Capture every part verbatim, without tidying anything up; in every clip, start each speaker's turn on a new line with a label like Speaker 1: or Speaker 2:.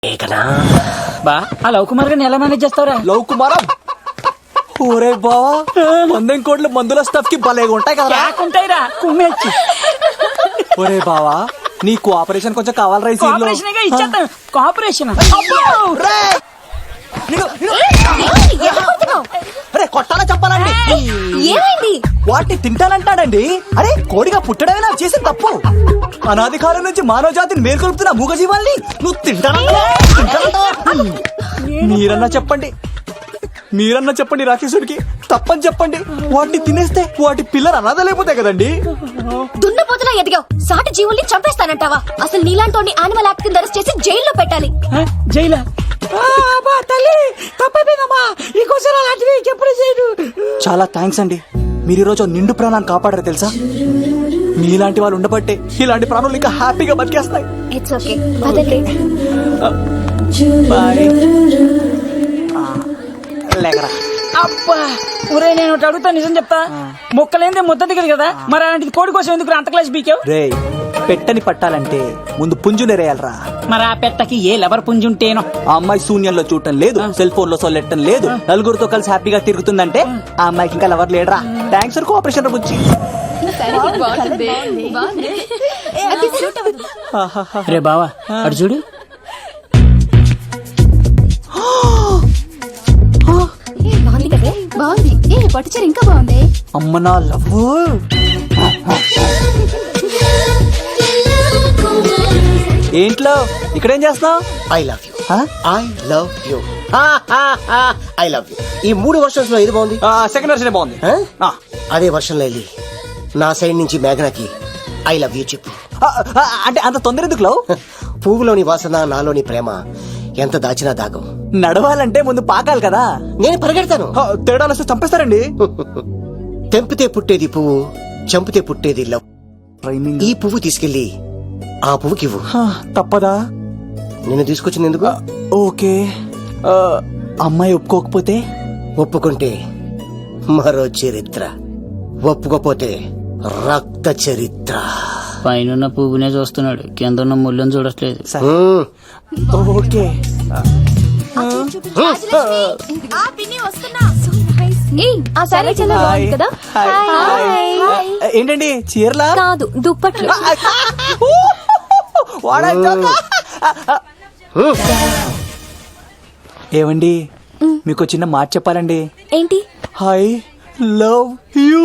Speaker 1: బా ఆ లవ్ కుమార్ గారిని ఎలా మేనేజ్ చేస్తావురా?
Speaker 2: లవ్ కుమారా ఊరే బావా వందెం కోట్ల మందుల స్టఫ్ కి భలేగా ఉంటాయి కదా.
Speaker 1: ఉంటాయిరా కుమ్మేచ్చి.
Speaker 2: ఒరే బావా నీ కోఆపరేషన్ కొంచెం కావాలి.
Speaker 1: కోఆపరేషన్ ఇచ్చేస్తాను. కోఆపరేషన్
Speaker 2: అరే కొట్టాలా చెప్పాలండి.
Speaker 3: ఏమైంది?
Speaker 2: వాటిని తింటానంటాడండి. అరే కోడిగా పుట్టడమే నాకు చేసిన తప్పు. అనాది కాలం నుంచి మానవ జాతిని మేల్కొల్పుతున్న మూగజీవాల్ని నువ్వు తింటానంటా. మీరన్నా చెప్పండి మీరన్నా చెప్పండి రాక్షసుడికి తప్పని చెప్పండి. వాటిని తినేస్తే వాటి పిల్లలు అనాథలైపోతాయి కదండి.
Speaker 3: దున్నపోతులా ఎదిగావు, సాటి జీవుల్ని చంపేస్తానంటావా? అసలు నీలాంటి యానిమల్ యాక్ట్ కింద అరెస్ట్ చేసి జైల్లో పెట్టాలి.
Speaker 1: జైలా?
Speaker 2: చాలా థ్యాంక్స్ అండి. మీరు ఈరోజు నిండు ప్రాణాన్ని కాపాడారు తెలుసా. మీలాంటి వాళ్ళు ఉండబట్టే ఇలాంటి ప్రాణులు ఇంకా హ్యాపీగా బతికేస్తాయి.
Speaker 3: ఇట్స్ ఓకే వదలే.
Speaker 2: బాయ్. లేకరా
Speaker 1: అబ్బా ఒరే నేను ఒకటి అడుగుతా, నిజం చెప్తా. మొక్కలేందే ముద్ద దిగదు కదా, మరి అలాంటిది కోడి కోసం ఎందుకు అంత క్లాస్ బీకావు?
Speaker 2: రే పెట్టని పట్టాలంటే ముందు పుంజునేరేయాలరా.
Speaker 1: మరి ఆ పెట్టకి ఏ లవర్ పుంజుంటేనో.
Speaker 2: ఆ అమ్మాయి శూన్యంలో చూడటం లేదు, సెల్ ఫోన్ లో సొల్లెట్టడం లేదు, నలుగురితో కలిసి హ్యాపీగా తిరుగుతుందంటే ఆ అమ్మాయికి ఇంకా లవర్ లేడరా. Thanks for cooperation Bujji.
Speaker 1: రే బావా అటు చూడు.
Speaker 3: బాగుంది కదా, బాగుంది. ఏ పట్టుచీర ఇంకా బాగుంది.
Speaker 2: అమ్మ నా లవ్. ఏంట్లో ఇక్కడేం చేస్తున్నావు?
Speaker 4: I love you I love you I love you. ఈ మూడు వర్షన్స్ లో ఏది బాగుంది?
Speaker 2: సెకండ్ వర్షన్ బాగుంది.
Speaker 4: ఆ? అదే వర్షం లో వెళ్ళి నా సైడ్ నుంచి మేఘనాకి ఐ లవ్ యూ చెప్పు.
Speaker 2: ఆ, ఆ, అంటే అంత తొందర ఎందుకు లవ్?
Speaker 4: పువ్వులోని వాసన నాలోని ప్రేమ ఎంత దాచినా దాగం.
Speaker 2: నడవాలంటే ముందు పాకాలి కదా.
Speaker 4: నేను పరిగెడతాను.
Speaker 2: ఆ, తేడాలు వస్తే చంపేస్తారండి.
Speaker 4: తెంపితే పుట్టేది పువ్వు, చంపితే పుట్టేది లవ్.
Speaker 2: ట్రైనింగ్.
Speaker 4: ఈ పువ్వు తీసుకెళ్లి ఆ పువ్వుకి ఇవ్వు.
Speaker 2: ఆ, తప్పదా?
Speaker 4: నిన్ను తీసుకొచ్చింది ఎందుకు?
Speaker 2: ఓకే. ఆ, అమ్మాయి ఒప్పుకోకపోతే?
Speaker 4: ఒప్పుకుంటే మరో చరిత్ర, ఒప్పుకోపోతే రక్త చరిత్ర.
Speaker 1: పైన పువ్వునే చూస్తున్నాడు, కింద ఉన్న ముళ్ళని చూడట్లేదు.
Speaker 4: మ్మ్.
Speaker 2: ఓకే. హాయ్. హాయ్. ఏంటండి చీరలా?
Speaker 3: కాదు దుప్పట్లు.
Speaker 2: ఏవండి మీకు చిన్న మాట చెప్పాలండి.
Speaker 3: ఏంటి?
Speaker 2: I love you.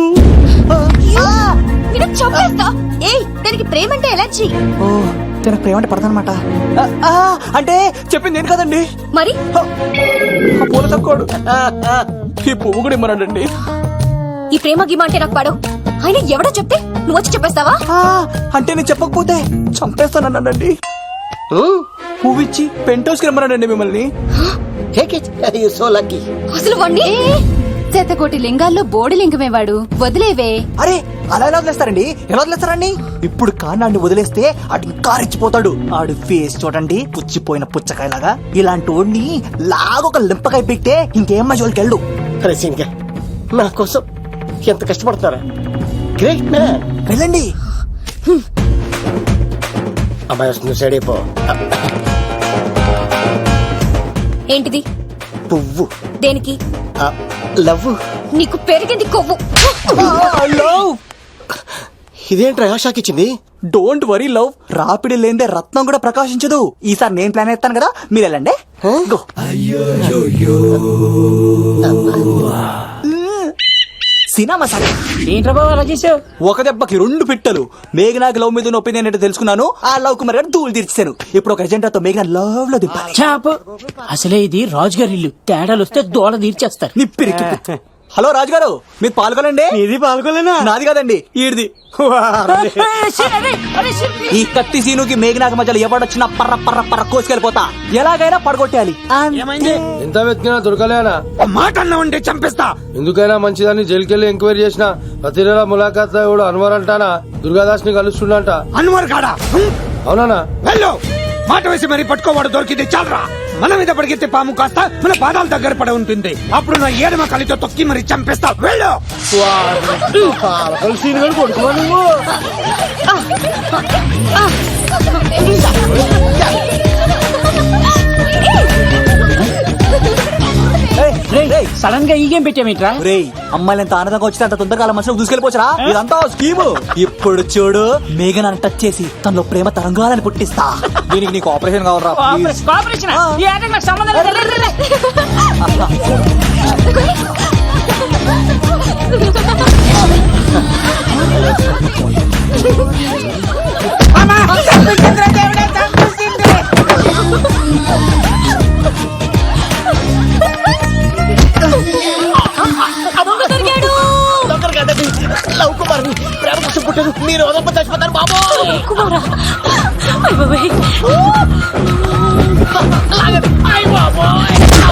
Speaker 3: చంపేస్తా. ఏయ్ దానికి ప్రేమ అంటే ఎలర్జీ.
Speaker 2: ఓ తనకు ప్రేమ అంటే పడతానమాట. అంటే చెప్పింది నేను కదండి.
Speaker 3: మరి
Speaker 2: ఆ పూల తక్కువడు ఈ పువ్వు కూడా ఇమ్మనండి.
Speaker 3: ఈ ప్రేమ గిమ అంటే నాకు పడవు. అయినా ఎవడో చెప్తే నువ్వు వచ్చి చెప్పేస్తావా?
Speaker 2: అంటే నేను చెప్పకపోతే చంపేస్తానండి.
Speaker 4: మ్మ్.
Speaker 2: పువ్వు ఇచ్చి పెంట్ హౌస్ కి రమ్మనండి మిమ్మల్ని.
Speaker 4: Take it. You're so lucky.
Speaker 3: అసలు వాణ్ణి
Speaker 5: శతకోటి లింగాల్లో బోడి లింగమే వాడు. వదిలేవే.
Speaker 2: అరే అలా ఎలా వదిలేస్తారండి? ఎలా వదిలేస్తారండి? ఇప్పుడు కాన్నాడిని వదిలేస్తే అటు ఇంకా రెచ్చిపోతాడు. ఆడు ఫేస్ చూడండి, పుచ్చిపోయిన పుచ్చకాయలాగా. ఇలాంటి వాడిని లాగొక లింపకాయ పెట్టే ఇంకేం మజోలికి వెళ్ళు.
Speaker 4: రసింగా నా కోసం ఎంత కష్టపడతారా? Great man.
Speaker 2: వెళ్ళండి.
Speaker 4: అమ్మాయి వస్తుంది, సైడ్ అయిపో.
Speaker 3: ఏంటిది?
Speaker 4: పువ్వు.
Speaker 3: దేనికి?
Speaker 4: లవ్.
Speaker 3: నీకు పెరిగింది కొవ్వు.
Speaker 2: లవ్.
Speaker 4: ఇదేంట్రా షాక్ ఇచ్చింది?
Speaker 2: Don't worry love. రాపిడి లేదే రత్నం కూడా ప్రకాశించదు. ఈసారి నేను ప్లాన్ ఎత్తాను కదా, మీరు వెళ్ళండి. గో. సినిమా సార్
Speaker 1: ఏంట్రా బాబు అలా చేసావు?
Speaker 2: ఒక దెబ్బకి రెండు పిట్టలు. మేఘనాకి లవ్ మీద ఒపీనియన్ ఏంటో తెలుసుకున్నాను. ఆ లవ్ కుమార్ గారు ధూళి తీర్చాను. ఇప్పుడు ఒక ఎజెండాతో మేఘనా లవ్ లో దింపాలి.
Speaker 1: చాపు. అసలే ఇది రాజుగారి ఇల్లు, తేడాలు వస్తే దోళ తీర్చేస్తారు.
Speaker 2: నిప్పిరికి. హలో రాజుగారు, మీరు పాల్గొనండి. ఇది పాల్గొలేనా? నాది కాదండి, ఈడిది. ఈ కత్తి సీనుకి మేఘనాకి మధ్యలో ఎవడొచ్చినా పర్ర పర్ర పర్ర కోసుకెళ్ళిపోతా. ఎలాగైనా పడగొట్టాలి.
Speaker 6: ఎంత వెతికినా దొరకలేనా?
Speaker 7: మాట అన్నా ఉంటే చంపేస్తా.
Speaker 6: ఎందుకైనా మంచిదాన్ని జైలుకెళ్ళి ఎంక్వైరీ చేసిన ప్రతి నెల ములాఖాత్ ఎవడు అన్వర్ అంటానా దుర్గాదాస్ ని కలుస్తుండంట.
Speaker 7: అన్వర్ కాడా?
Speaker 6: అవునా?
Speaker 7: వెళ్ళు. మాట వేసి మరి పట్టుకోవాడు దొరికింది చాలరా. మన మీద పడిగితే పాము కాస్త మన పాదాల దగ్గర పడి ఉంటుంది. అప్పుడు నా ఏడమ కలితో తొక్కి మరి చంపేస్తా. వెళ్ళు.
Speaker 3: ఆ
Speaker 1: సడన్ గా ఈ గేమ్ పెట్టామేట్రా?
Speaker 2: రేయ్ అమ్మాయిలు ఎంత ఆనందంగా వచ్చితే అంత తొందరగా వాళ్ళ మనసులో దూసుకెళ్ళిపోవచ్చురా. ఇదంతా స్కీము. ఇప్పుడు చూడు మేఘన్ అని టచ్ చేసి తనలో ప్రేమ తరంగాలని పుట్టిస్తా. దీనికి నీకు ఆపరేషన్ కావాలరా ప్లీజ్.
Speaker 1: కోఆపరేషన్ ఈ ఆటకు నాకు సంబంధం లేదు. రే, రే, రే. అమ్మా, చంపేసిందిరా దేవుడా, చంపేసింది.
Speaker 3: దొంగ దొరికాడు.
Speaker 4: దొంగలు కాదండి, లవ్ కుమార్ ప్రేమ కోసం పుట్టారు. మీరు వదలప చచ్చిపోతారు బాబు.
Speaker 3: కుమారా. అయ్ బాబోయ్.
Speaker 4: లాగండి. అయ్ బాబోయ్.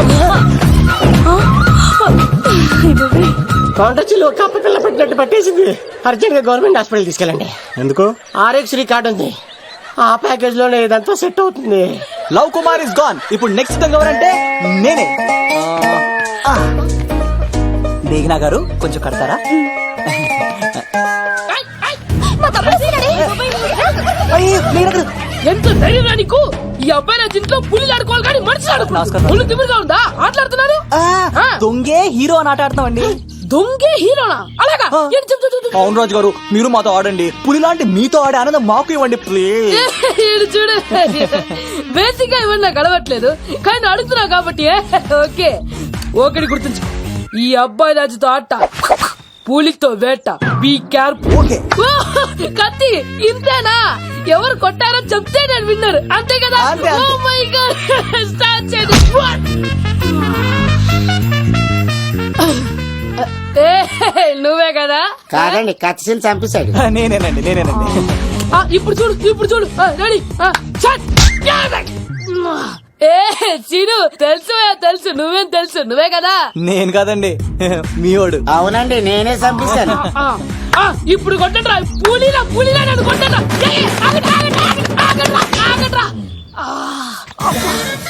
Speaker 3: అయ్ బాబోయ్.
Speaker 4: కొండచిలో కప్ప పిల్ల పెట్టినట్టు పట్టేసింది. అర్జెంట్ గా గవర్నమెంట్ హాస్పిటల్ తీసుకెళ్ళండి.
Speaker 2: ఎందుకు?
Speaker 4: ఆర్ఎక్స్ రికార్డ్ ఉంది, ఆ ప్యాకేజ్ లోనే ఇదంతా సెట్ అవుతుంది.
Speaker 2: Love Kumar is gone. ఇప్పుడు నెక్స్ట్ దొంగ ఎవరంటే నేనే. ఆ, ఆ. మేఘనా గారు కొంచెం కడతారా?
Speaker 3: మా తమ్ముడు సీనాడే.
Speaker 2: అయ్యో, మేఘనా గారు.
Speaker 1: ఎంత ధైర్యం నీకు? ఈ అబ్బాయి నా ఇంట్లో పులి ఆడుకోవాలి కానీ మనిషి ఆడుకో.
Speaker 2: నమస్కారం.
Speaker 1: పులి తిమిరిగా ఉందా? ఆటలాడుతున్నారు.
Speaker 2: ఆ, దొంగే హీరో అని ఆట ఆడుతున్నామండి.
Speaker 1: దొంగే హీరోనా? అలాగా? ఏంటి చెప్పు, చెప్పు, చెప్పు.
Speaker 2: అవును రాజు గారు, మీరు మాతో ఆడండి. పులి లాంటి మీతో ఆడే ఆనందం మాకు ఇవ్వండి ప్లీజ్.
Speaker 1: ఈడు చూడు, బేసిక్ గా ఇవన్నీ నాకు అలవట్లేదు కానీ నువ్వు అడుగుతున్నావు కాబట్టి ఓకే. ఒకటి గుర్తుంచు, ఈ అబ్బాయి రాజుతో ఆట, పులితో వేట. Be careful.
Speaker 2: ఓకే.
Speaker 1: కత్తి ఇంతేనా? ఎవరు కొట్టారో చెప్తే నేను విన్నారు, అంతే కదా?
Speaker 2: అంతే, అంతే.
Speaker 1: ఓ మై గాడ్, స్టార్ట్ చేయండి. ఏ, నువ్వే కదా?
Speaker 4: కాదండి, కత్తిని చంపేశాడు.
Speaker 2: నేనేనండి నేనేనండి
Speaker 1: ఆ, ఇప్పుడు చూడు, ఇప్పుడు చూడు. రెడీ. ఏ సీను, తెలుసు తెలుసు, నువ్వేం తెలుసు, నువ్వే కదా?
Speaker 2: నేను కాదండి మీ వాడు.
Speaker 4: అవునండి, నేనే చంపేశాను.
Speaker 1: ఆ, ఆ, ఇప్పుడు కొట్టండిరా, పూలీలా పూలీలా నన్ను కొట్టండిరా. ఏ, ఏ, ఆగండి, ఆగండి, ఆగండి, ఆగండిరా, ఆగండిరా. ఆ, అబ్బా.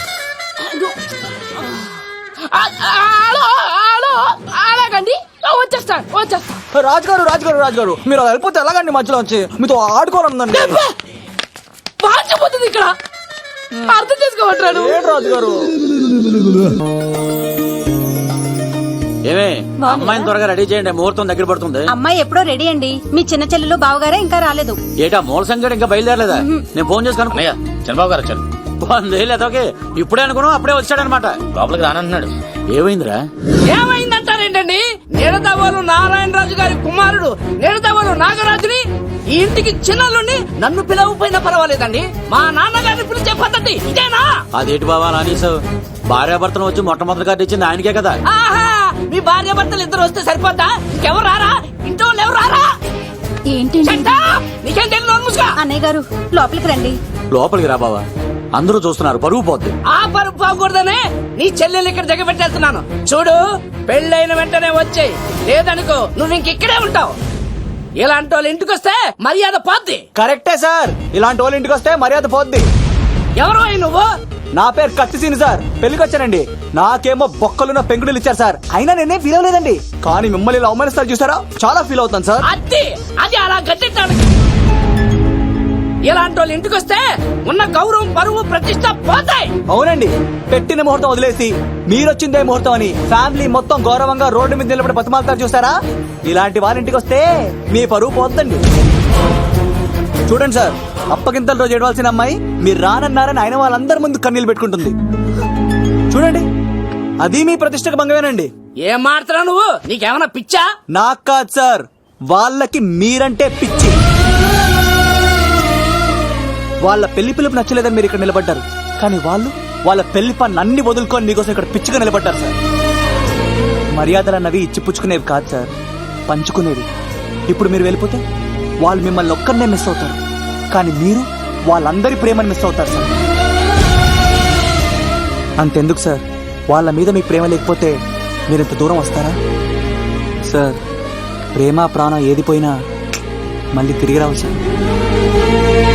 Speaker 1: ఆ, ఆ, హలో, హలో, అలాగండి, వచ్చేస్తాను, వచ్చేస్తాను.
Speaker 2: రాజుగారు రాజుగారు రాజుగారు మీరు అలా వెళ్ళిపోతే ఎలాగండి? మధ్యలో వచ్చి మీతో ఆడుకోవాలనుందండి.
Speaker 1: వాచిపోతుంది ఇక్కడ, అర్థం చేసుకోవట్రాను.
Speaker 2: ఏంటి రాజుగారు?
Speaker 8: ఏమే, అమ్మాయిని త్వరగా రెడీ చేయండి, ముహూర్తం దగ్గర పడుతుంది.
Speaker 5: అమ్మాయి ఎప్పుడో రెడీ అండి. మీ చిన్న చెల్లెలు బావగారే ఇంకా రాలేదు.
Speaker 8: ఏటా మూల సంగతి ఇంకా బయలుదేరలేదా? నేను ఫోన్ చేసి కనుక్కో.
Speaker 9: చంద్రబాబు గారు వచ్చారు.
Speaker 8: లేదా ఓకే, ఇప్పుడే అనుకున్నాం, అప్పుడే వచ్చాడనమాట.
Speaker 9: లోపలికి రానంటున్నాడు.
Speaker 8: ఏమైందిరా?
Speaker 1: ఏమైందంటారేంటండి? నిడదవోలు నారాయణరాజు గారి కుమారుడు నిడదవోలు నాగరాజుని ఈ ఇంటికి చిన్నలుండి నన్ను పిలవపోయినా పర్వాలేదండి, మా నాన్నగారిని పిలిచే పద్ధతి ఇదేనా?
Speaker 8: అదేటి బాబా నానీసావు? భార్యాభర్తను వచ్చి మొట్టమొదటి కార్డు ఇచ్చింది ఆయనకే కదా.
Speaker 1: ఆహా, మీ భార్య భర్తలు ఇద్దరు వస్తే సరిపోద్దా? ఇంకెవరు రారా? ఇంట్లో వాళ్ళు ఎవరు రారా?
Speaker 5: ఏంటి
Speaker 1: చెట్టా, నీకేం తెలియదు, నోరు మూసుకో.
Speaker 5: అన్నయ్య గారు లోపలికి రండి.
Speaker 8: లోపలికి రా బాబా, అందరూ చూస్తున్నారు, పరుగు పోద్ది.
Speaker 1: ఆ పరుపు పోకూడదనే నీ చెల్లెలు ఇక్కడ దిగబెట్టేస్తున్నాను. చూడు, పెళ్ళైన వెంటనే వచ్చేయి, లేదనుకో నువ్వు ఇంకెక్కడే ఉంటావు. ఇలాంటి వాళ్ళు ఇంటికి వస్తే మర్యాద పోద్ది.
Speaker 2: కరెక్టే సార్, ఇలాంటి వాళ్ళ ఇంటికి వస్తే మర్యాద పోద్ది.
Speaker 1: ఎవరు నువ్వు?
Speaker 2: నా పేరు కత్తిసీని సార్, పెళ్లికి వచ్చానండి. నాకేమో బొక్కలున్న పెంకుడులు ఇచ్చారు సార్, అయినా నేనే ఫీల్ అవ్వలేదండి. కానీ మిమ్మల్ని ఇలా అవమానిస్తారు చూసారా, చాలా ఫీల్ అవుతాను సార్.
Speaker 1: అది అది అలా గట్టించాడు. ఇలాంటి వాళ్ళు ఇంటికి వస్తే ఉన్న గౌరవం, పరువు, ప్రతిష్ట పోతాయి.
Speaker 2: అవునండి, పెట్టిన ముహూర్తం వదిలేసి మీరొచ్చిందే ముహూర్తం అని ఫ్యామిలీ మొత్తం గౌరవంగా రోడ్డు మీద నిలబడి బతిమాలుతారు చూసారా, ఇలాంటి వాళ్ళ ఇంటికి వస్తే మీ పరువు పోతుందండి. చూడండి సార్, అప్పగింతల రోజు ఏడవలసిన అమ్మాయి మీరు రానన్నారని ఆయన వాళ్ళందరి ముందు కన్నీళ్ళు పెట్టుకుంటుంది. చూడండి, అది మీ ప్రతిష్టకు భంగమేనండి.
Speaker 1: ఏం మాట్లాడుతున్నావు నువ్వు? నీకేమన్నా పిచ్చా?
Speaker 2: నాకు కాదు సార్, వాళ్ళకి మీరంటే పిచ్చి. వాళ్ళ పెళ్లి పిలుపు నచ్చలేదని మీరు ఇక్కడ నిలబడ్డారు, కానీ వాళ్ళు వాళ్ళ పెళ్లి పని అన్ని వదులుకొని మీకోసం ఇక్కడ పిచ్చిగా నిలబడ్డారు సార్. మర్యాదలు అన్నవి ఇచ్చిపుచ్చుకునేవి కాదు సార్, పంచుకునేవి. ఇప్పుడు మీరు వెళ్ళిపోతే వాళ్ళు మిమ్మల్ని ఒక్కరినే మిస్ అవుతారు, కానీ మీరు వాళ్ళందరి ప్రేమను మిస్ అవుతారు సార్. అంతెందుకు సార్, వాళ్ళ మీద మీకు ప్రేమ లేకపోతే మీరు ఇంత దూరం వస్తారా సార్? ప్రేమ ప్రాణం ఏది పోయినా మళ్ళీ తిరిగి రావు సార్.